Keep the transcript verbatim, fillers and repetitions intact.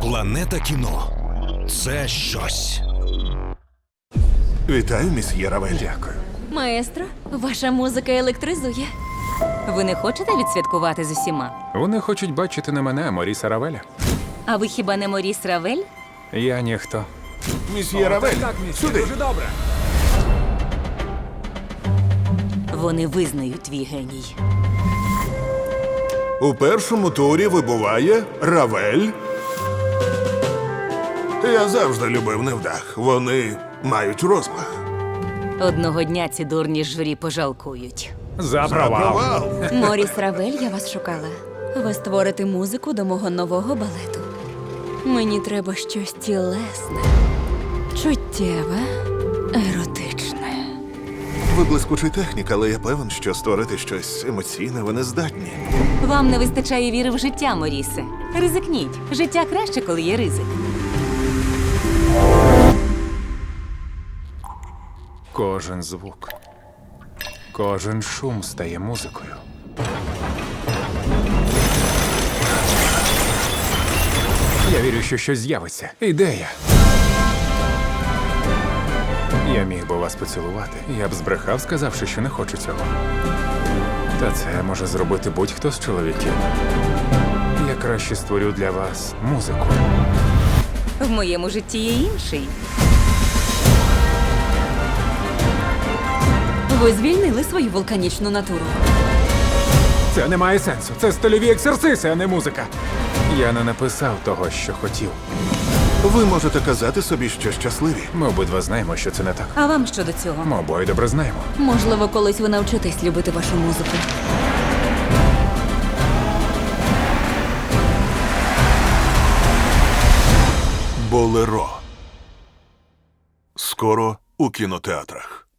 Планета кіно – це щось. Вітаю, місьє Равель. Дякую. Маестро, ваша музика електризує. Ви не хочете відсвяткувати з усіма? Вони хочуть бачити не мене, а Моріса Равеля. А ви хіба не Моріс Равель? Я ніхто. Місьє Равель, сюди. Вони визнають твій геній. У першому турі вибуває Равель. Я завжди любив невдах. Вони мають розмах. Одного дня ці дурні журі пожалкують. За провал. Провал. Моріс Равель, я вас шукала. Ви створите музику до мого нового балету. Мені треба щось тілесне, чуттєве, еротичне. Ви блискучий технік, але я певен, що створити щось емоційне ви не здатні. Вам не вистачає віри в життя, Морісе. Ризикніть. Життя краще, коли є ризик. Кожен звук, кожен шум стає музикою. Я вірю, що щось з'явиться. Ідея. Я міг би вас поцілувати. Я б збрехав, сказавши, що не хочу цього. Та це може зробити будь-хто з чоловіків. Я краще створю для вас музику. В моєму житті є інший. Ви звільнили свою вулканічну натуру. Це не має сенсу. Це стильові ексерциси, а не музика. Я не написав того, що хотів. Ви можете казати собі, що щасливі. Ми обидва знаємо, що це не так. А вам що до цього? Ми обоє добре знаємо. Можливо, колись ви навчитесь любити вашу музику. Болеро. Скоро у кінотеатрах.